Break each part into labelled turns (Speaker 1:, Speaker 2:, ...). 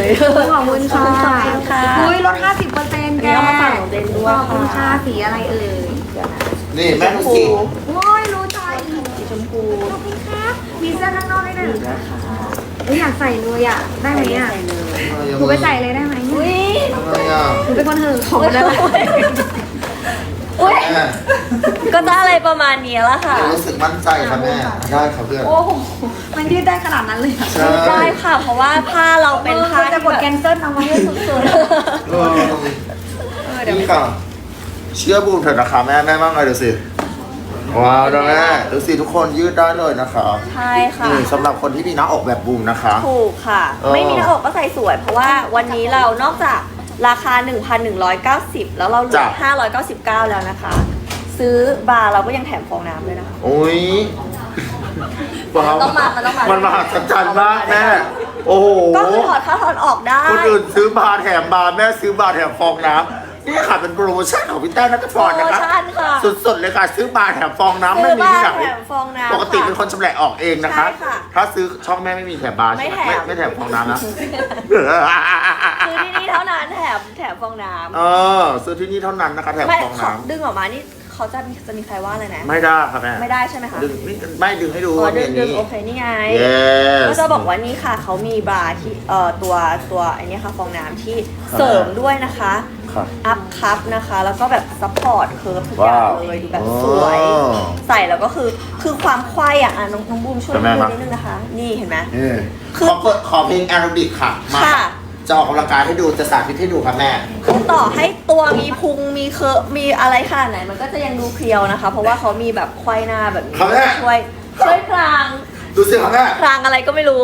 Speaker 1: ขอบคุณค่ะ
Speaker 2: ขอบคุณค่ะ
Speaker 1: อุ้ยลด 50%แก
Speaker 2: อันนี้เอามาฝากของเจนด้วย
Speaker 1: ขอบคุณค่ะ
Speaker 2: ค่ะ
Speaker 1: สีอะไรเอ่ย
Speaker 3: นี่แม่ดูสิ
Speaker 1: โอ้ยรู้ใจ
Speaker 2: สีชมพู
Speaker 1: ขอบคุณครับมีเสื้อข้างนอกด้วยนะ
Speaker 2: ดีด้วยค่ะ
Speaker 1: อุ๊ยอยากใส่เลยอ่ะ ได้ไหมอ่ะ
Speaker 2: ใส่เลย
Speaker 1: หนูไปใส่เลยได้ไหม
Speaker 2: อุ้ย
Speaker 3: อะไรอ่ะ
Speaker 1: หนูเป็นคนหือของได้ไหม
Speaker 2: อุ้ย
Speaker 3: แม่
Speaker 2: ก็จะอะไรประมาณนี้ละค่ะ
Speaker 3: รู้สึกมั่นใจค่ะแม่ได้ครับเพื่อน
Speaker 1: โอ้โห มันยืดได้ขนาดนั้นเลยเหรอ
Speaker 3: ใช่
Speaker 2: ได้ค่ะ เพราะว่าผ้าเราเป็นผ้า
Speaker 1: จะกดแคนเซิลเอาไว้ให้สุด
Speaker 3: เออนี่ค่ะเชื่อบูมเถอะนะคะแม่บ้างเลยดูสิว้าวนะแม่ดูสิทุกคนยืดได้เลยนะคะ
Speaker 2: ใช่ค่ะ
Speaker 3: นี่สำหรับคนที่มีหน้าอกแบบบูมนะคะ
Speaker 2: ถูกค่ะ ไม่มีหน้าอกก็ใส่สวย เพราะว่าวันนี้เรานอกจากราคา 1,190 แล้วเราเหลือ 599 แล้วนะคะ ซื้อบาร์เราก็ยังแถมฟองน้ำด้วยนะคะ
Speaker 3: โอ้ยว้าว
Speaker 2: ต้องมามันต้องมา
Speaker 3: มันมหัศจรรย์มากแม่โอ้โห
Speaker 2: ก็คือถอดเข้าถอดออกได้
Speaker 3: คนอื่นซื้อบาร์แถมบาร์แม่ซื้อบาร์แถมฟองน้ำนี่ค่ะเป็นโปรโมชั่นของพี่แต้นัทพรนะคะ
Speaker 2: โปรโมชั่นค่ะ
Speaker 3: สุดๆเลยค่ะซื้อบาร์แถมฟองน้ำไม่มีที่ไหน
Speaker 2: ซื้อบาร์แถมฟองน้ำ
Speaker 3: ปกติเป็นคนชำแหละออกเองนะคะ
Speaker 2: ใช่ค่ะ
Speaker 3: ถ้าซื้อช่องแม่ไม่มีแถมบาร์
Speaker 2: ไม่
Speaker 3: ใช่ไห
Speaker 2: แถม
Speaker 3: ไม่แถมฟองน้ำนะ
Speaker 2: คือที่นี่เท่านั้นแถมฟองน้ำ
Speaker 3: เออซื้อที่นี่เท่านั้นนะคะแถม
Speaker 2: ไม่
Speaker 3: ฟอง
Speaker 2: ขอ
Speaker 3: น้
Speaker 2: ดึงออกมานี่เขาจะมีใครว่าอะไรนะ
Speaker 3: ำไม่ได้ค่ะแม่
Speaker 2: ไม่ได้ใช่ไหมคะ
Speaker 3: ดึงไม่ดึงให้ดู
Speaker 2: อ๋อดึ
Speaker 3: เนี่
Speaker 2: ง
Speaker 3: ยนี่
Speaker 2: โอเคนี่ไง
Speaker 3: yes
Speaker 2: ก็จะบอกว่านี่ค่ะเขามีบราที่ตัวไอ้นี่ค่ะฟองน้ำที่เสริมด้วยนะคะ
Speaker 3: ค่ะ
Speaker 2: อัพคัพนะคะ แล้วก็แบบซัพพอร์ตเคิร์ฟทุกอย่าง
Speaker 3: ว้าว
Speaker 2: เลยดูแบบสวย
Speaker 3: อ๋อ
Speaker 2: ใส่แล้วก็คือความควายอ่ะน้องบูมช่วย
Speaker 3: เป็นไง
Speaker 2: ดู
Speaker 3: ครับ
Speaker 2: นิดนึงนะคะ นี่เห็นไหม
Speaker 3: นี่
Speaker 2: คือ
Speaker 3: ขอเพลงแอโรบิกค่ะมา
Speaker 2: ค่ะ
Speaker 3: จะออกกำลังกายให้ดูจะสาธิตให้ดูค่ะแม่
Speaker 2: คือต่อให้ตัวมีพุงมีเคิร์ฟมีอะไรขนาดไหนมันก็จะยังดูเพรียวนะคะ เพราะว่าเขามีแบบควายหน้าแบบนี้
Speaker 3: ครับแม่
Speaker 2: ช่วยพราง
Speaker 3: ดูสิค่ะแม่
Speaker 2: พรางอะไรก็ไม่รู้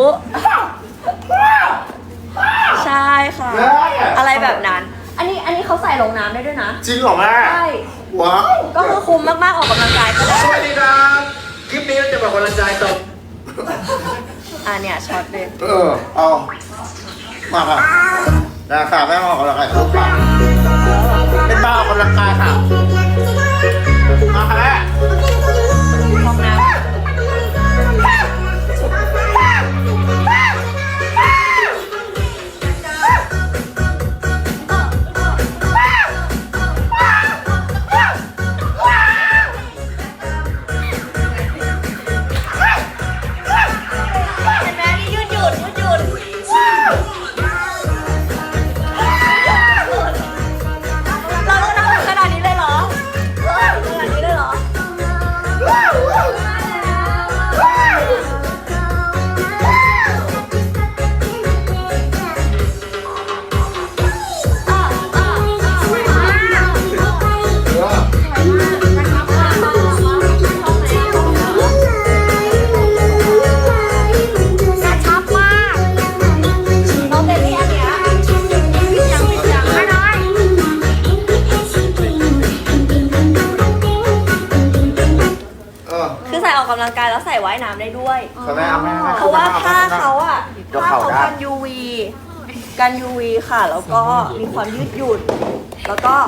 Speaker 2: ใช่ค่ะ
Speaker 3: แม่
Speaker 2: อะไรแบบนั้น อันนี้เขาใส่ลงน้ำได้ด้วยนะ
Speaker 3: จริงเหรอแม่
Speaker 2: ใช่
Speaker 3: ว้าว
Speaker 2: ก็คือคุ้มมากๆออกกำลังกายก็ได้
Speaker 4: สวัสดีครับ คลิปนี้เราจะบอกกำลังกายตบ
Speaker 2: เนี่ยช็อตเลย
Speaker 3: เอามาค่ะนะค่ะแม่มาออกกำลังกายลูกค่ะเป็นบ้าออกกำลังกายค่ะมาค่ะแม่
Speaker 2: ฟองน้ำ เห็นไหมนี่ยืดหยุ่นเราต้องทำขนาดนี้เลยเหรอขนาดนี้เลยเหรอ
Speaker 1: กระชับมาก
Speaker 2: น้องเบบี้อันเนี้ย
Speaker 1: ยังไม่น้อย
Speaker 2: คือใส่ออกกำลังกายแล้วใส่ว่ายน้ำได้ด้วย
Speaker 3: ค่ะแม่เอาแม่
Speaker 2: เพราะว่าผ้าเขาอะ
Speaker 3: เดี๋ยว
Speaker 2: ผ้า
Speaker 3: เข่า
Speaker 2: เขา
Speaker 3: ได้
Speaker 2: กัน UV กัน UV ค่ะ แล้วก็มีความยืดหยุ่น แล้วก็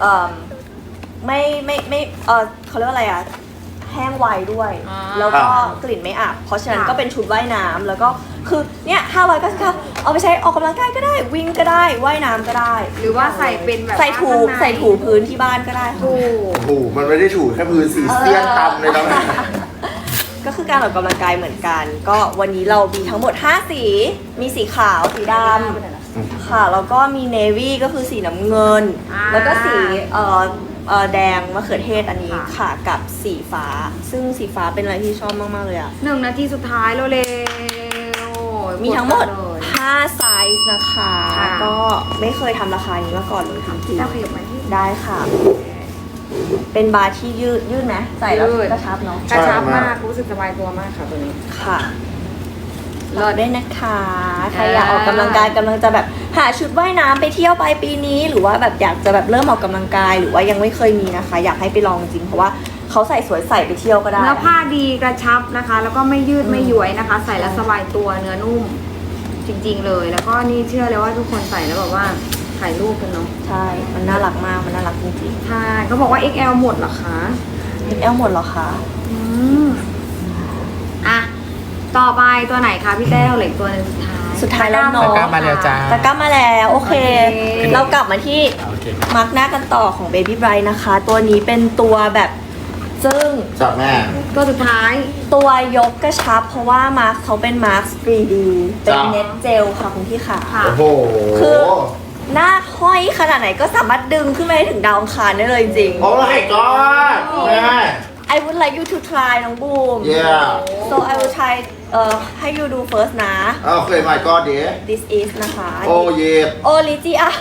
Speaker 2: ไม่เขาเรียกว่าอะไรอะแห้งไวด้วย แล้วก็กลิ่นไม่อับ เพราะฉะนั้นก็เป็นชุดว่ายน้ำแล้วก็คือเนี่ย599เอาไปใช้ออกกำลังกายก็ได้ วิ่งก็ได้ ว่ายน้ำก็ได้
Speaker 1: หรือว่าใส่เป็นแบบ
Speaker 2: ใส่ถู
Speaker 1: ว่าข้างใน
Speaker 2: ใส่ถูพื้นที่บ้านก็ได้ค่ะ
Speaker 1: ถูก
Speaker 3: โอ้โหมันไม่ได้ถูแค่พื้นสีเสี้ยนตำเลยนะแม่
Speaker 2: ก็คือการออกกำลังกายเหมือนกัน ก็วันนี้เรามีทั้งหมด 5 สี มีสีขาว สีดำค่ะ แล้วก็มีเนวี่ก็คือสีน้ำเงิน แล้วก็สีแดงมะเขือเทศอันนี้ค่ะ กับสีฟ้า ซึ่งสีฟ้าเป็นอะไรที่ชอบมาก ๆ เลยอะ
Speaker 1: 1 นาทีสุดท้ายเร็วๆ
Speaker 2: มีทั้งหมด
Speaker 1: เลย
Speaker 2: 5 ไซส์นะคะ
Speaker 1: ค่ะ
Speaker 2: ก็ไม่เคยทำราคานี้มาก่อนเลยจริง
Speaker 1: เราขยับมาที่
Speaker 2: ๆได้ค่ะ เป็นบาร์ที่ยืดไหมใส่แล้ว
Speaker 1: ยืด
Speaker 2: กระชับเนาะ
Speaker 1: กระชับมากรู้สึกสบายตัวมากค่ะตัวนี้
Speaker 2: ค่ะรอได้นะคะ ใครอยากออกกำลังกายกำลังจะแบบหาชุดว่ายน้ำไปเที่ยวปลายปีนี้ หรือว่าแบบอยากจะแบบเริ่มออกกำลังกาย หรือว่ายังไม่เคยมีนะคะ อยากให้ไปลองจริงเพราะว่าเขาใส่สวยใส่ไปเที่ยวก็ได้
Speaker 1: เนื้อผ้าดีกระชับนะคะ แล้วก็ไม่ยืดไม่ย้วยนะคะ ใส่แล้วสบายตัวเนื้อนุ่ม จริงๆเลย แล้วก็นี่เชื่อเลยว่าทุกคนใส่แล้วแบบว่าถ่ายรูปกันเนาะ
Speaker 2: ใช่ มันน่ารักมาก มันน่ารักจริง
Speaker 1: ใช่เขาบอกว่า XL หมดเหรอคะ
Speaker 2: ๆ XL หมดเหรอคะ
Speaker 1: อืมอ่ะต่อไปตัวไหนคะพี่แต้วเหลืออกตัวหนึงสุดท้าย
Speaker 2: สุดท้ายแล้วเนอะ
Speaker 5: ตะกร้ามาแล้วจ้า
Speaker 2: ตะกร้ามาแล้วโอเค
Speaker 1: โอเค
Speaker 2: เรากลับมาที่
Speaker 5: โอเค
Speaker 2: มาร์กหน้ากันต่อของ Baby Bright นะคะ ตัวนี้เป็นตัวแบบซึ่ง
Speaker 3: จับแม่
Speaker 1: ตัวสุดท้าย
Speaker 2: ตัวยกกระชับ เพราะว่ามาร์กเขาเป็นมาร์ก 3D เป็น
Speaker 3: จ้ะ
Speaker 2: เน็ตเจลค่ะคุณพี่ขา
Speaker 1: ค่ะ
Speaker 3: โอ้โห
Speaker 2: คือ หน้าห้อยขนาดไหนก็สามารถดึงขึ้นไปถึงดาวอังคารได้เลยจริง
Speaker 3: โอ้ยก้อนแม่
Speaker 2: I would like you to try น้องบูม
Speaker 3: yeah
Speaker 2: so I will try ให้ you do first นะ
Speaker 3: โอเค my god เดี๋ยว
Speaker 2: this is นะคะ
Speaker 3: โอ้เย่
Speaker 2: โอลิจิอะ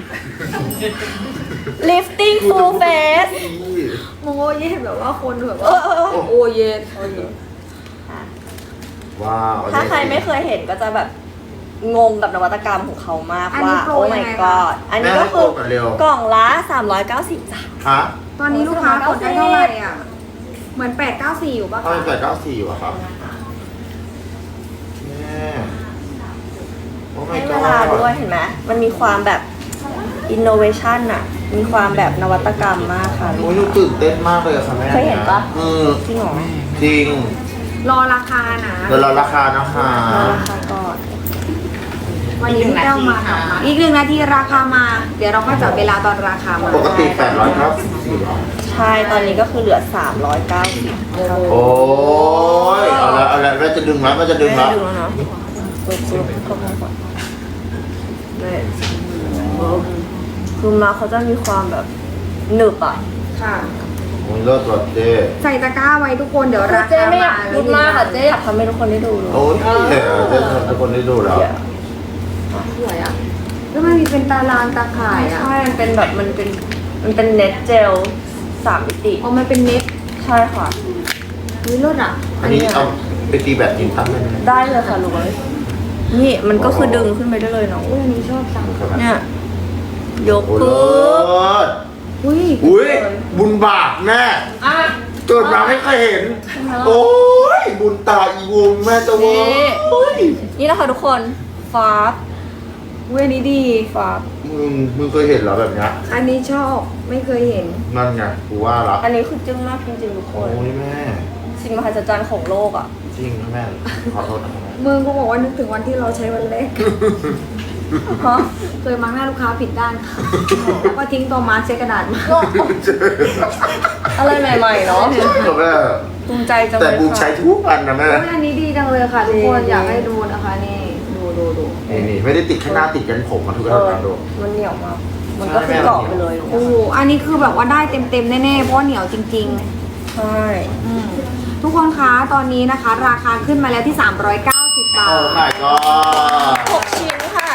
Speaker 2: lifting full face
Speaker 1: โมเย็นแบบว่าคนแบบ
Speaker 2: เอ
Speaker 1: ว่า
Speaker 2: อเออเออ
Speaker 1: โอเย็น
Speaker 3: ว้าว
Speaker 2: ถ้าใครไม่เคยเห็นก็จะแบบงงกับนวัตกรรมของเขามาก
Speaker 1: อันนี้
Speaker 2: ว่า
Speaker 1: โปร
Speaker 2: โอ้
Speaker 1: ยัง
Speaker 2: my
Speaker 1: ไงคะ
Speaker 2: god อันนี้ก็คือก
Speaker 3: เร็ว
Speaker 2: กล่องละ 390จ้ะ
Speaker 3: ฮะ
Speaker 1: ตอนนี้ลูกค้ากดได้เท่าไหร่อ่ะ เหมือน 894 อยู่ปะ
Speaker 3: ทำไม
Speaker 1: คะ
Speaker 3: 894อยู่อะครับแม่โอ้ my
Speaker 2: ให้เว
Speaker 3: god
Speaker 2: ลาด้วยเห็นไหมมันมีความแบบ innovation อะมีความแบบนวัตกรรมมากค่ะ
Speaker 3: โอ้ยหนูตื่นเต้นมากเลยอะค่ะแม่
Speaker 2: เคยเห็นปะ
Speaker 3: จริง
Speaker 2: จริงเหรอ
Speaker 3: จริง
Speaker 1: รอราคานะ
Speaker 3: เดี๋ยวเราราคานะคะ
Speaker 2: ราคาก่อน
Speaker 1: วันนี้พี่แต้วมากับมาอีก1 นาทีราคามา เดี๋ยวเราก็จับเวลาตอนราคามา
Speaker 3: ปกติ894บาท
Speaker 2: ใช่ตอนนี้ก็คือเหลือ 390
Speaker 3: โอ้ยเอาละแม่จะดึงแล้วแม่จะดึงแล้ว
Speaker 2: ดูแล้วเนาะปึ๊บเข้ามาก่อนนี่คือมาเขาจะมีความแบบหนึบอ่ะ
Speaker 1: ค่ะ
Speaker 3: โอ้ยเลิศว่ะเจ๊
Speaker 1: ใส่ตะกร้าไว้ทุกคนเดี๋ยวรา
Speaker 2: เจ๊
Speaker 1: คา
Speaker 2: ไม่อยาก
Speaker 1: มา
Speaker 2: พูดมากอ่ะเจ๊อยากทำให้ทุกคนได้ดูเลย
Speaker 3: โอ้ยเจ๊ทุกคนได้ดูแล้ว
Speaker 1: สวยอ่ะแล้วมันมีเป็นตารางตาข่ายอ่ะ
Speaker 2: ใช่มันเป็นแบบมันเป็นเน็ตเจล3 มิติ
Speaker 1: อ๋อมันเป็นเน็ต
Speaker 2: ใช่ค่ะ
Speaker 1: อุ้ยรถอ่ะ
Speaker 3: อันนี้เอาไปตีแบบยิงตั้งเลยนะ
Speaker 2: ได้เลยค่ะลุงนี่มันก็คือดึงขึ้นไปได้เลยเนาะ
Speaker 1: อุ้ยอันนี้ชอบจัง
Speaker 2: เนี่ยยก
Speaker 3: โอ้ย
Speaker 2: ปึ๊บ
Speaker 3: เลิศ
Speaker 1: อุ้ย
Speaker 3: อุ้ยบุญบาปแม่เกิดมาไม่เคยเห็น โอ้ยบุญตาอีวงแม่จะวง
Speaker 2: นี่นะคะทุกคนฟาบ
Speaker 1: อุ้ยอันนี้ดี
Speaker 2: ฟาบ
Speaker 3: มึงเคยเห็นเหรอแบบเนี้ย
Speaker 1: อันนี้ชอบไม่เคยเห็น
Speaker 3: นั่นไงกูว่าละ
Speaker 2: อันนี้คือจึ้งมากจริงๆทุกค
Speaker 3: โอ้
Speaker 2: น
Speaker 3: ยแม่
Speaker 2: สิ่งมหัศจรรย์ของโลกอ่ะ
Speaker 3: จริงนะแม่ขอโทษนะครับแม่
Speaker 1: มึงก็บอกว่านึกถึงวันที่เราใช้วันแรก
Speaker 2: ฮะ
Speaker 1: เคยมาร์กหน้าลูกค้าผิดด้านค่ะแล้วก็ทิ้งตัวมาร์กใช้กระดาษมา
Speaker 2: อะไรใหม่ๆเนาะ
Speaker 3: แม่
Speaker 2: ภูมิใจจัง
Speaker 3: แต่
Speaker 2: เลย
Speaker 3: บูมใช้
Speaker 2: ค่ะ
Speaker 3: ทุกอันนะแม่
Speaker 1: อุ้ยอันนี้ดีจังเลยค่ะทุกคนอยากให้ดูนะคะนี่ดู
Speaker 3: นี่ไม่ได้ติดแค่หน้าติดกันผมมาทุก
Speaker 2: เอ
Speaker 3: อัน
Speaker 2: อ
Speaker 3: นะดู
Speaker 2: มันเหนียวมากมันก็คือเกาะไปเลย
Speaker 1: โอ้โหอันนี้คือแบบว่าได้เต็มแน่ๆเพราะว่าเหนียวจริง
Speaker 2: ใช่
Speaker 1: ๆทุกคนคะตอนนี้นะคะ ราคาขึ้นมาแล้วที่ 390 บา
Speaker 3: โอ้
Speaker 1: ท
Speaker 3: my god
Speaker 2: 6 ชิ้นค่ะ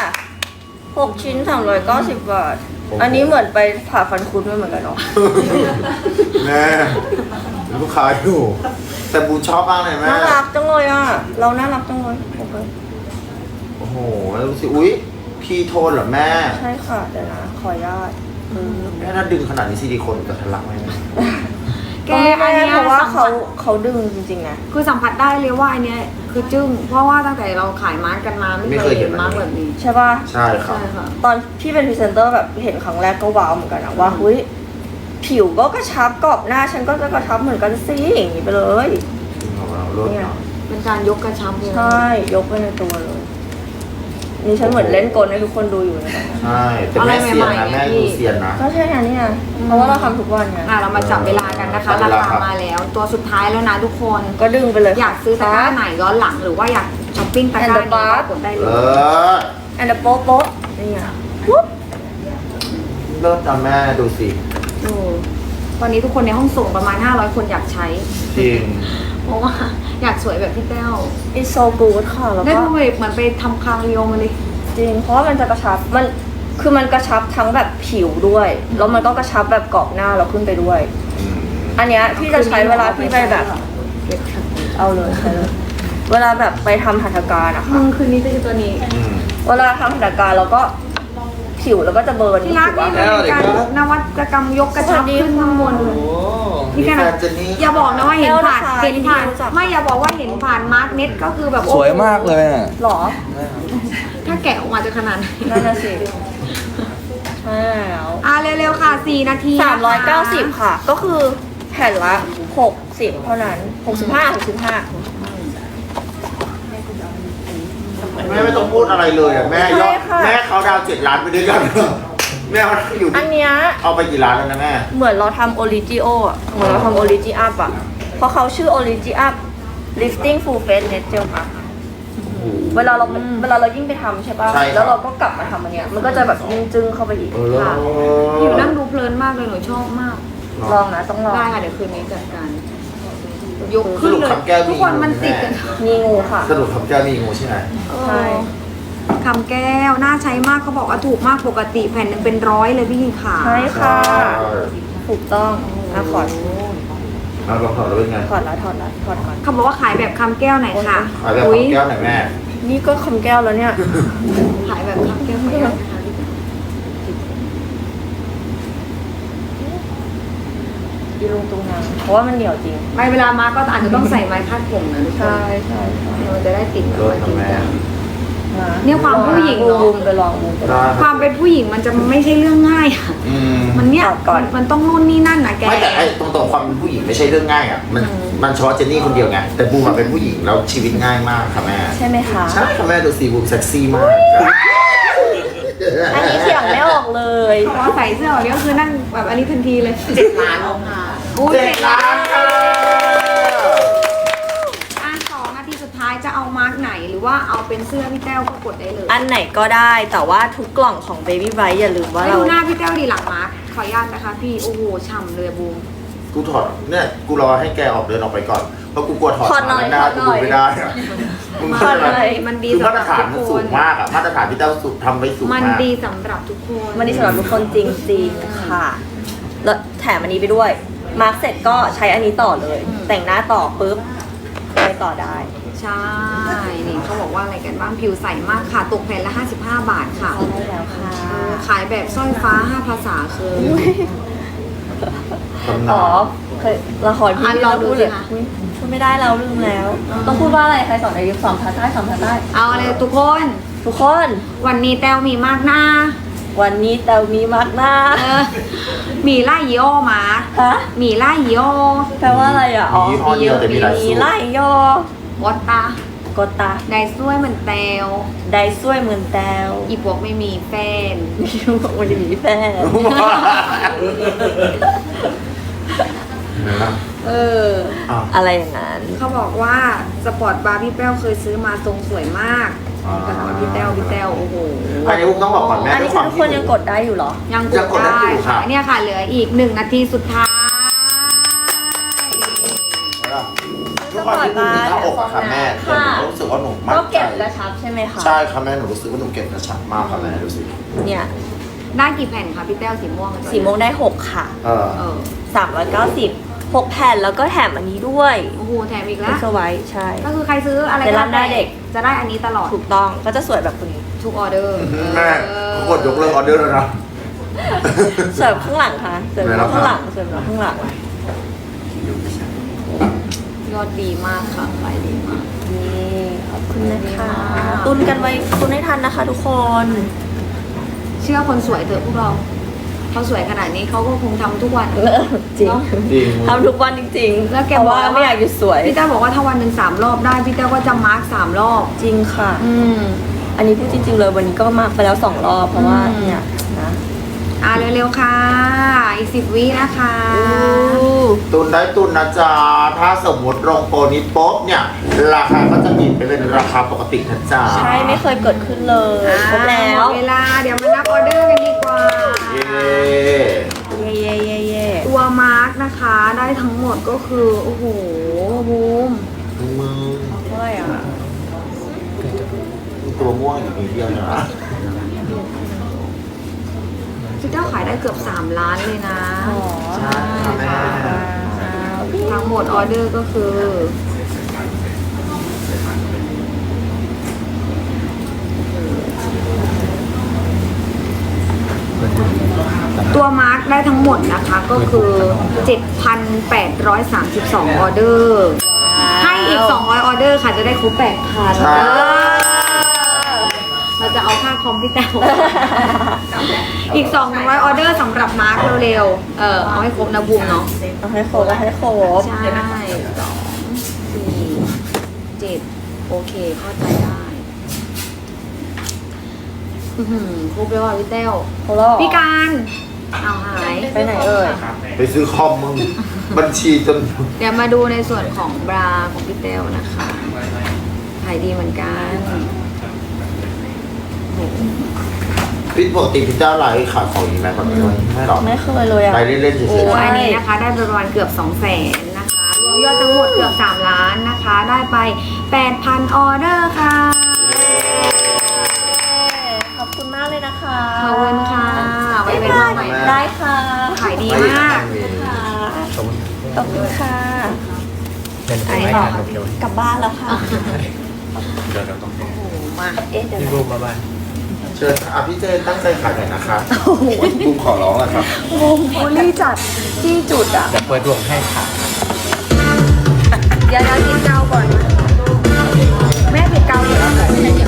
Speaker 2: 6 ชิ้น390 บาท อันนี้เหมือนไปผ่าฟันคุดไม่เหมือนกันเนาะ
Speaker 3: แม่ลูกค้าอยู่แต่บูมชอบมากเลยแม่
Speaker 2: น่ารักจังเลยอ่ะ เราน่ารักจังเลยโอเค
Speaker 3: โอ้โหแล้วดูสิอุ้ยพีโทนเหรอแม่
Speaker 2: ใช่ค่ะเดี๋ยวนะ ขออนุญาต
Speaker 3: แม่ถ้าดึงขนาดนี้ซิลิโคนจะทะลักไหมแม่
Speaker 1: แก
Speaker 2: อั
Speaker 1: อั
Speaker 2: น
Speaker 1: น
Speaker 2: นี้
Speaker 1: เนี้ย
Speaker 2: เพราะว่า
Speaker 1: สัมผัส
Speaker 2: เขาดึงจริงๆนะ
Speaker 1: คือสัมผัสได้เลยว่าอันเนี้ยคือจึ้งเพราะว่าตั้งแต่เราขายมาร์กกันมาไม่เคยเห็นมาร์กแบบนี้
Speaker 2: ใช่ป่ะ
Speaker 3: ใช่ครับ
Speaker 1: ใช่ค่ะ
Speaker 2: ตอนที่เป็นพรีเซนเตอร์แบบเห็นครั้งแรกก็ว้าวเหมือนกันนะว่าเฮ้ยผิวก็กระชับกรอบหน้าฉันก็จะกระชับเหมือนกันสิอย่างนี้ไปเลย
Speaker 3: ของเราลด
Speaker 2: เนี่ย
Speaker 3: เนาะ
Speaker 1: เป็นการยกกระชับเลย
Speaker 2: ใช่ยกไปในตัวเลย นี่ฉันเหมือนเล่นกลให้ทุกคนดูอยู่นะ
Speaker 3: ใช่แต่แม่เซียนนะแม่ดูเซียนนะ
Speaker 2: ก็ใช่ไงนี่ไงเพราะว่าเราทำทุกวันไง
Speaker 1: เรามาจับเวลากันนะคะ
Speaker 3: จับ
Speaker 1: รา
Speaker 3: เวลา
Speaker 1: คา
Speaker 3: ครับ
Speaker 1: มาแล้ว ตัวสุดท้ายแล้วนะทุกคน
Speaker 2: ก็ดึงไปเลย
Speaker 1: อยากซื้อตะกร้าไหนย้อนหลังหรือว่าอยากช้อปปิ้งตะกร้านี้ก็กดได้เล
Speaker 3: เอย อ
Speaker 2: อันเดอร์โป๊ะโป๊ะนี่ไงปุ๊บ
Speaker 3: เริ่มจำแม่ดูสิ
Speaker 1: โอ้ตอนนี้ทุกคนในห้องส่งประมาณ 500 คนอยากใช้
Speaker 3: จริง
Speaker 1: เพราะว่าอยากสวยแบบพี่แต้ว
Speaker 2: it's so good ค่ะแล้ว
Speaker 1: ได้
Speaker 2: ก็
Speaker 1: ดูแบบเหมือนไปทำคางเรียวมาเลย
Speaker 2: จริงเพราะว่ามันจะกระชับมันคือมันกระชับทั้งแบบผิวด้วยแล้วมันก็กระชับแบบกรอบหน้าเราขึ้นไปด้วย อันเนี้ยพี่จะใช้เวลาพี่ไปแบบเอาเลยใช้เลยเวลาแบบไปทำหัตถการอะ
Speaker 1: มึ
Speaker 2: ค่ะ
Speaker 1: งคืนนี้จะคือตัวนี้
Speaker 2: เวลาทำหัตถการเราก็ผิวแล้วก็จะเบิร์น
Speaker 1: ที่รักนี่เป็นการนวัตกรรมยกกระชับขึ้นข้างบน
Speaker 3: โอ้
Speaker 1: นี่
Speaker 3: มี
Speaker 1: แค่
Speaker 3: แฟ
Speaker 1: นั้น
Speaker 3: นเจนนี่
Speaker 1: อย่าบอกนะว่าเห็นผ่าน
Speaker 2: แล้วนะคะ
Speaker 1: เห็นผ่าน
Speaker 2: รู้จัก
Speaker 1: ไม่อย่าบอกว่าเห็นผ่านมาร์กเน็ตก็คือแบบ
Speaker 5: สวยมากเลยอ่ะ
Speaker 2: หรอ
Speaker 1: ถ้าแกะออกมาจะขนาดไหน
Speaker 2: นั่นน่ะสิใช่แล้ว
Speaker 1: เร็วๆค่ะ 4 นาที
Speaker 2: 390 ค่ะ ก็คือแผ่นละ 60 เท่านั้น 65 65
Speaker 3: แม่ไม่ต้องพูดอะไรเลยอ่ะแม่ยอดแม่เขาดาว7 ล้านไปด้วยกันแม่เขาอยู่
Speaker 2: อันเนี้ย
Speaker 3: เอาไปกี่ล้านแล้วนะแม่
Speaker 2: เหมือนเราทำโอริจิโออ่ะเหมือนเราทำโอริจิอัพอ่ะเพราะเขาชื่อโอริจิอัพ lifting full face net gel mask เวลาเรายิ่งไปทำใช่ป่ะ
Speaker 3: ใช่ครับ
Speaker 2: แล้วเราก็กลับมาทำอันเนี้ยมันก็จะแบบยิ่งจึ้งเข้าไปอีก
Speaker 1: ค่ะอยู่นั่งดูเพลินมากเลยหนูชอบมาก
Speaker 2: ลองนะต้องลอง
Speaker 1: ได้ค่ะเดี๋ยวคืนนี้จัดการยกขึ้นเลยทุกคนมันติดกัน
Speaker 2: มีงูค่ะ
Speaker 3: สรุปคำแก้วมีงูใช่ไหม
Speaker 2: ใช่
Speaker 1: คำแก้วน่าใช้มากเขาบอกว่าถูกมากปกติแผ่นหนึ่งเป็น100เลยพี่ค่ะ
Speaker 2: ใช่ค่ะ ถูกต้องนะขอด
Speaker 3: เอาลองถอดแล้วเป็นไง
Speaker 2: ถอดแล้วถอดก่อน
Speaker 1: เขาบอกว่าขายแบบคำแก้วไหนค่ะ
Speaker 3: ขายแบบ
Speaker 1: อุ๊ย
Speaker 3: คำแก้วหน่อยแม่
Speaker 2: นี่ก็คำแก้วแล้วเนี่ย
Speaker 1: ขายแบบคำแก้วไหนนะคะ
Speaker 2: อีลุงตุงนางเพราะว่ามันเหนียวจริง
Speaker 1: ไม่เวลามาก็อาจจะต้องใส่ไม้คาดผมนะทุกคน
Speaker 2: ใช่
Speaker 1: มันจะได้ติดแบบ
Speaker 3: เลิศ
Speaker 1: ว่าจริง
Speaker 3: ทำแม่
Speaker 1: จัง เนี่ยความผู้หญิงเนอะ
Speaker 2: บูมไปลองบูมไปลอง
Speaker 3: ได้
Speaker 1: ความเป็นผู้หญิงมันจะไม่ใช่เรื่องง่ายอะ
Speaker 3: อืม
Speaker 1: มันเนี่ย
Speaker 2: ก่อน
Speaker 1: มันต้องนู่นนี่นั่นนะแก
Speaker 3: ไม่แต่ไอ้ตรงๆความเป็นผู้หญิงไม่ใช่เรื่องง่ายอ่ะมันเฉพาะเจนนี่คนเดียวไงแต่บูมมาเป็นผู้หญิงแล้วชีวิตง่ายมากค่ะแม่
Speaker 2: ใช่ไหมคะ
Speaker 3: ใช่ค่ะแม่ดูสิบูมเซ็กซี่มาก
Speaker 2: อันนี้เสียงไม่ออกเลย
Speaker 1: พอใส่เสื้อออกนี้ก็คือนั่งแบบอันนี้ทันทีเลย7 ล้านค่ะอู้
Speaker 3: 7 ล้านค่ะ
Speaker 1: 2 นาทีสุดท้ายจะเอามาร์กไหนหรือว่าเอาเป็นเสื้อพี่แต้วก็กดได้เลย
Speaker 2: อันไหนก็ได้แต่ว่าทุกกล่องของ Baby Bright อย่าลืมว่า
Speaker 1: ให้
Speaker 2: เรา
Speaker 1: ดูหน้าพี่แต้วดีหลังมาร์กขออนุญาตนะคะพี่โอ้โหฉ่ำเลยบูม
Speaker 3: กูถอดเนี่ยกูรอให้แกออกเดินออกไปก่อนเพราะกูกลัวถอด
Speaker 2: ถอดหน่อย
Speaker 3: หน้า
Speaker 2: ถอดหน่อย
Speaker 3: กูไม่ได้อะมึงเข้าใจไหม
Speaker 1: มันดี
Speaker 3: คือ
Speaker 1: สำห
Speaker 3: มาต
Speaker 1: รั
Speaker 3: ร
Speaker 1: บ
Speaker 3: ฐาน
Speaker 1: ทุ
Speaker 3: มัน
Speaker 1: กค
Speaker 3: สู
Speaker 1: น
Speaker 3: งมากอะมาตรฐานที่เต้าสุดทำไว้สูง
Speaker 1: มัน
Speaker 3: มาก
Speaker 1: ดีสำหรับทุกคน
Speaker 2: วันนี้สำหรับทุกคนจริงๆค่ะ แล้วแถมอันนี้ไปด้วย มาร์กเสร็จก็ใช้อันนี้ต่อเลย แต่งหน้าต่อปุ๊บไปต่อได้
Speaker 1: ใช่นี่เขาบอกว่าอะไรกันบ้างผิวใสมากค่ะตกแผ่นละ55 บาทค่ะ
Speaker 2: ใช่แล้วค่ะ
Speaker 1: ขายแบบสร้อยฟ้า 5 ภาษาคือ
Speaker 3: ตำ
Speaker 2: อ๋
Speaker 3: นา
Speaker 2: อน เคยละครพี่
Speaker 1: ลองดู
Speaker 2: พูด
Speaker 1: สิ
Speaker 2: เลย
Speaker 1: คะ
Speaker 2: อุ๊ยพูดไม่ได้เราลืมแล้ว ต้องพูดว่าอะไรใครสอนในยุคสองภาษาใต้
Speaker 1: เอาเลยทุกคน
Speaker 2: ทุกคน
Speaker 1: วันนี้แต้วมีมากหน้า
Speaker 2: วันนี้แต่มีมากหน้า
Speaker 1: เออมีไล่ยีโอมา
Speaker 2: ฮะ
Speaker 1: มีไล่ยีโอ
Speaker 2: แปลว่าอะไรอ่ะ อ๋อ
Speaker 3: มียี่ห้อเดียวแต่มีหลายสูตร
Speaker 2: ไล่ยอ
Speaker 1: วอตตาก
Speaker 2: ดตา
Speaker 1: ได้ช่วยเหมือนแตว
Speaker 2: ได้ช่วยเหมือนแตว
Speaker 1: อีพวกไม่มีแฟน
Speaker 2: บอกว่าจะมีแฟน
Speaker 1: เออ
Speaker 3: อ้าว
Speaker 2: อะไรอย่างนั้น
Speaker 1: เขาบอกว่าสปอร์ตบาร์พี่แป้วเคยซื้อมาทรงสวยมาก
Speaker 3: อ่า
Speaker 1: แต่ว่าพี่แต้วโอ้โห
Speaker 3: อันนี้ผมต้องบอกก่อนแม่
Speaker 2: อัน
Speaker 3: ด้ว
Speaker 2: นี้
Speaker 3: ยความ
Speaker 2: ทุก
Speaker 3: ที่
Speaker 2: คนยังกดได้อยู่เหรอ
Speaker 1: ยังก
Speaker 3: ยัง
Speaker 1: ด
Speaker 3: กดได้
Speaker 1: ได้
Speaker 3: อยู่ค่ะ
Speaker 1: ค่ะเนี่ยค่ะเหลืออีก1 นาทีสุดท้าย
Speaker 3: ทุกคนที่ดูที่หน้าอกอะค่ะแม่แต่หนูรู้สึกว่าหนูมั่น
Speaker 2: ก็
Speaker 3: ใจ
Speaker 2: เก็บกระชับใช่ไหมคะ
Speaker 3: ใช่ค่ะแม่หนูรู้สึกว่าหนูเก็บกระชับมากค่ะแม่ดูสิ
Speaker 2: เนี่ย
Speaker 1: ได้กี่แผ่นคะพี่แต้วสีม่วง
Speaker 2: สีม่วงได้ 6 ค่ะ
Speaker 3: เออ
Speaker 1: เออ
Speaker 2: 390 6 แผ่นแล้วก็แถมอันนี้ด้วย
Speaker 1: โอ้โหแถมอีก
Speaker 2: เอ็
Speaker 1: แล้ว
Speaker 2: กซ์ไว้ใช่
Speaker 1: ก็คือใครซื้ออะไร
Speaker 2: เซรั่มหน้าเด็ก
Speaker 1: จะได้อันนี้ตลอด
Speaker 2: ถูกต้องก็จะสวยแบบคนนี้
Speaker 1: ทุกออเดอร์
Speaker 3: แม่เขากดยกเลิกออเดอร์แล้วนะ
Speaker 2: สวยแบบข้างหลังค่ะสวยแบบข้างหลังสวยแบบข้างหลัง
Speaker 1: ยอดดีมากค่ะขายดีมาก
Speaker 2: นี่ขอบคุณนะคะตุนกันไว้ตุนให้ทันนะคะทุกคน
Speaker 1: เชื่อคนสวยเถอะพวกเราเขาสวยขนาดนี้เขาก็คงทำทุกวัน
Speaker 2: จริง
Speaker 1: เนอะ
Speaker 3: จริง
Speaker 2: ทำทุกวันจริงๆ
Speaker 1: แล้วแก
Speaker 2: เพราะ
Speaker 1: บอก
Speaker 2: ว่า
Speaker 1: ว่า
Speaker 2: ไม่อยากหยุดสวย
Speaker 1: พี่แต้วบอกว่าถ้าวันหนึ่ง3 รอบได้พี่แต้วก็จะมาร์ก3 รอบ
Speaker 2: จริงค่ะ
Speaker 1: อืม
Speaker 2: อันนี้พูดจริง ๆ เลยวันนี้ก็มาไปแล้ว2 รอบเพราะว่า
Speaker 1: อืม
Speaker 2: เนี่ยนะ
Speaker 1: เร็วๆค่ะ อีก10 วินะคะ
Speaker 3: ตุนได้ตุนนะจ๊ะ ถ้าสมมติลงโปรนี้ปุ๊บเนี่ย ราคาก็จะบินไปเป็นราคาปกตินะจ๊ะ
Speaker 2: ใช่ไม่เคยเกิดขึ้นเลยครบแล้ว
Speaker 1: หมดเวลาเดี๋ยวมานับออเดอร์กันดีกว่า
Speaker 3: เย้
Speaker 2: เย่เย่เย่เย่
Speaker 1: ตัวมาร์กนะคะได้ทั้งหมดก็คือ โอ้โหบูม
Speaker 3: มึง
Speaker 2: เท่าไหร่อ่ะ
Speaker 3: ตัวม่วงอยู่นิดเดียวนะ
Speaker 1: พี่เจ้าขายได้เกือบ3 ล้านเลยนะ
Speaker 2: อ๋อ
Speaker 3: ใช่ค่ะแม่
Speaker 1: ทั้งหมดออเดอร์ก็คือ ตัวมาร์กได้ทั้งหมดนะคะก็คือ 7,832 ออเดอร์ ให้อีก 200 ออเดอร์ค่ะจะได้ครบ 8,000
Speaker 3: ใช่
Speaker 1: เราจะเอาค่าคอมพี่แต้วอีก 200 ออเดอร์สำหรับมาร์กเร็วๆเอาให้ครบนะบูมเนาะ
Speaker 2: เอาให้ครบเอาให้ครบ
Speaker 1: ใช่2 4 7 โอเคเข้าใจได้ครบเลยว่ะพี่เต้ว
Speaker 2: เขาหรอ
Speaker 1: พี่การเอาหาย
Speaker 2: ไปไหนเอ่ย
Speaker 3: ไปซื้อคอมมึง บัญชีจน
Speaker 1: เดี๋ยวมาดูในส่วนของบราของพี่เต้วนะคะขายดีเหมือนกัน
Speaker 3: พี่ปกติพี่เจ้าไลฟ์ขายของอีกไหมก่อนนี้ไม่หรอก
Speaker 2: ไม่เคยเลยอะ
Speaker 3: ไลฟ์เล่นๆเฉ
Speaker 1: โอ้
Speaker 3: ย
Speaker 1: อันนี้นะคะได้ประมาณเกือบ 200,000นะคะรวมยอดทั้งหมดเกือบ3 ล้านนะคะ ได้ไป 8,000 ออเดอร์ค่ะ
Speaker 2: ขอบคุณมากเลยนะคะ
Speaker 1: ขอบคุณค่ะไว้เป็นมาใหม่
Speaker 2: ได้ค่ะ
Speaker 1: ขายดี
Speaker 3: ๆไม่
Speaker 1: มาก
Speaker 3: มี
Speaker 2: ค่ะขอบคุณค่ะ
Speaker 5: เป็น
Speaker 1: ไหน
Speaker 5: ไม่
Speaker 1: ต่อ
Speaker 5: ทานโอเค
Speaker 2: กลับบ้านแล้วค่ะ
Speaker 5: เดี๋ยวเราต้อง
Speaker 1: โอ้โหมา
Speaker 2: เอ๊ะเดี๋ยว
Speaker 5: พี่
Speaker 2: นะ
Speaker 5: รูปมาบ้าน
Speaker 3: เชิญพี่เจนตั้งใจขายหน่อยนะคะบุ้มขอร้องแล้วครับ
Speaker 2: บูลลี่จัดที่จุดอ่ะ
Speaker 5: เดี๋ยวเปิดดวงให้ค่ะ
Speaker 1: เดี๋ยวกินเกาก่อนนะแม่ผิดเกาเดี๋ยว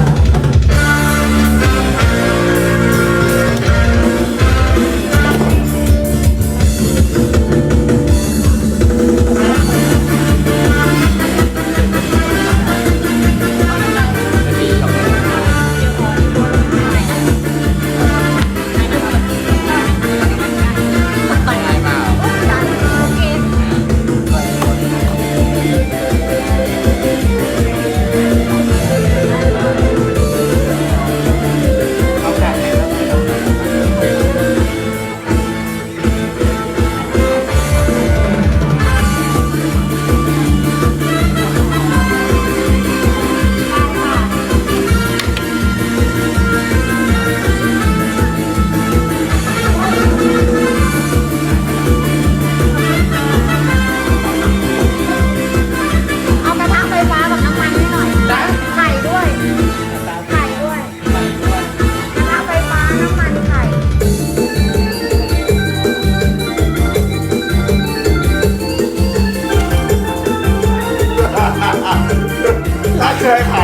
Speaker 1: เอากระทะไฟฟ้ากับน้ำมันให้หน่อยไข่ด้วยไข่ด้วยกระทะไฟฟ้าน้ำมันไข่
Speaker 3: ถ้าเคยขาย